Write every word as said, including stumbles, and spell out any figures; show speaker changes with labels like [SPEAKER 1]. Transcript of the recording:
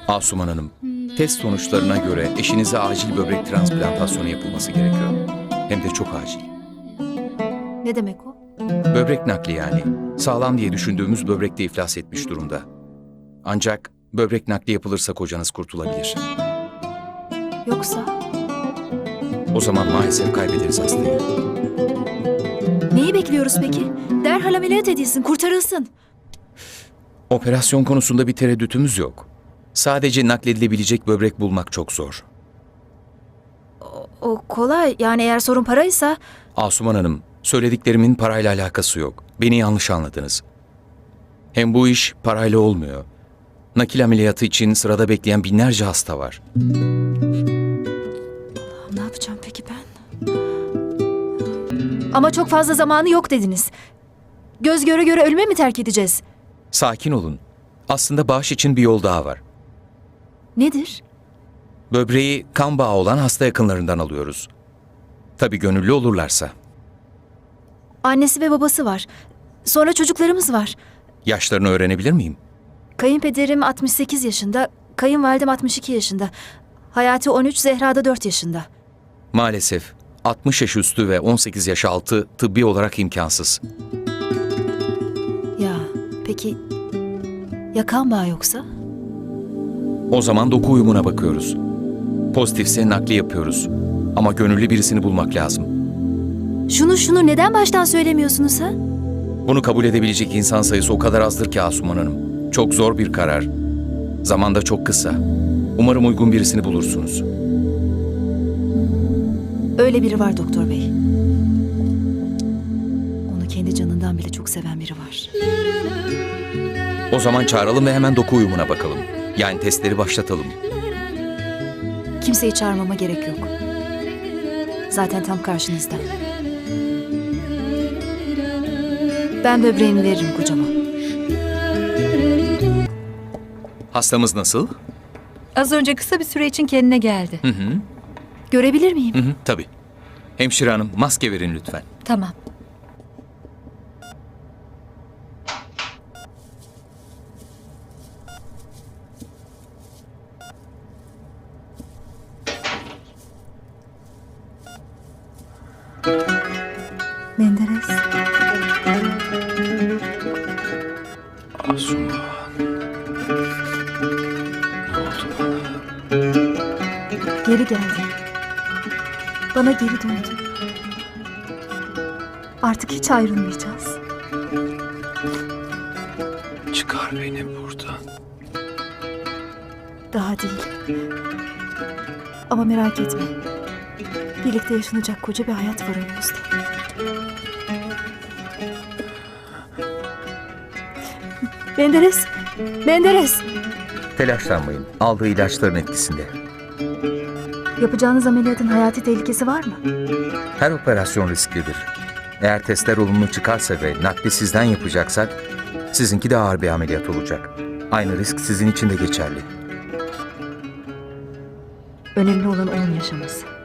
[SPEAKER 1] Asuman Hanım, test sonuçlarına göre eşinize acil böbrek transplantasyonu yapılması gerekiyor. Hem de çok acil.
[SPEAKER 2] Ne demek o?
[SPEAKER 1] Böbrek nakli yani. Sağlam diye düşündüğümüz böbrek de iflas etmiş durumda. Ancak böbrek nakli yapılırsa kocanız kurtulabilir.
[SPEAKER 2] Yoksa
[SPEAKER 1] O zaman maalesef kaybederiz hastayı.
[SPEAKER 2] neyi bekliyoruz peki? Derhal ameliyat edilsin, kurtarılsın.
[SPEAKER 1] Operasyon konusunda bir tereddütümüz yok. Sadece nakledilebilecek böbrek bulmak çok zor.
[SPEAKER 2] O kolay. Yani eğer sorun paraysa
[SPEAKER 1] Asuman Hanım, söylediklerimin parayla alakası yok. Beni yanlış anladınız. Hem bu iş parayla olmuyor. Nakil ameliyatı için sırada bekleyen binlerce hasta var.
[SPEAKER 2] ne yapacağım peki ben? Ama çok fazla zamanı yok dediniz. Göz göre göre ölüme mi terk edeceğiz?
[SPEAKER 1] Sakin olun. Aslında bağış için bir yol daha var.
[SPEAKER 2] Nedir?
[SPEAKER 1] Böbreği kan bağı olan hasta yakınlarından alıyoruz. Tabii gönüllü olurlarsa.
[SPEAKER 2] Annesi ve babası var. Sonra çocuklarımız var.
[SPEAKER 1] Yaşlarını öğrenebilir miyim?
[SPEAKER 2] Kayınpederim altmış sekiz yaşında, kayınvalidem altmış iki yaşında. Hayati on üç, Zehra da dört yaşında.
[SPEAKER 1] Maalesef altmış yaş üstü ve on sekiz yaş altı tıbbi olarak imkansız.
[SPEAKER 2] Ya peki ya kan bağı yoksa?
[SPEAKER 1] O zaman doku uyumuna bakıyoruz. Pozitifse nakli yapıyoruz. Ama gönüllü birisini bulmak lazım.
[SPEAKER 2] Şunu şunu neden baştan söylemiyorsunuz ha?
[SPEAKER 1] Bunu kabul edebilecek insan sayısı o kadar azdır ki Asuman Hanım. Çok zor bir karar. Zaman da çok kısa. Umarım uygun birisini bulursunuz.
[SPEAKER 2] Öyle biri var doktor bey. Onu kendi canından bile çok seven biri var.
[SPEAKER 1] O zaman çağıralım ve hemen doku uyumuna bakalım. Yani testleri başlatalım.
[SPEAKER 2] Kimseyi çağırmama gerek yok. Zaten tam karşınızda. Ben böbreğimi veririm kocama.
[SPEAKER 1] Hastamız nasıl?
[SPEAKER 3] Az önce kısa bir süre için kendine geldi.
[SPEAKER 1] Hı hı.
[SPEAKER 2] Görebilir miyim?
[SPEAKER 1] Hı hı, tabii. Hemşire hanım, maske verin lütfen.
[SPEAKER 3] Tamam.
[SPEAKER 2] Menderes.
[SPEAKER 1] Asuman. Ne oldu bana?
[SPEAKER 2] Geri geldi. Bana geri döndü. Artık hiç ayrılmayacağız.
[SPEAKER 1] Çıkar beni buradan.
[SPEAKER 2] Daha değil. Ama merak etme. Birlikte yaşanacak koca bir hayat var önümüzde. Menderes! Menderes!
[SPEAKER 1] Telaşlanmayın. Aldığı ilaçların etkisinde.
[SPEAKER 2] Yapacağınız ameliyatın hayati tehlikesi var mı?
[SPEAKER 1] Her operasyon risklidir. Eğer testler olumlu çıkarsa ve nakli sizden yapacaksak, sizinki de ağır bir ameliyat olacak. Aynı risk sizin için de geçerli.
[SPEAKER 2] Önemli olan onun yaşaması.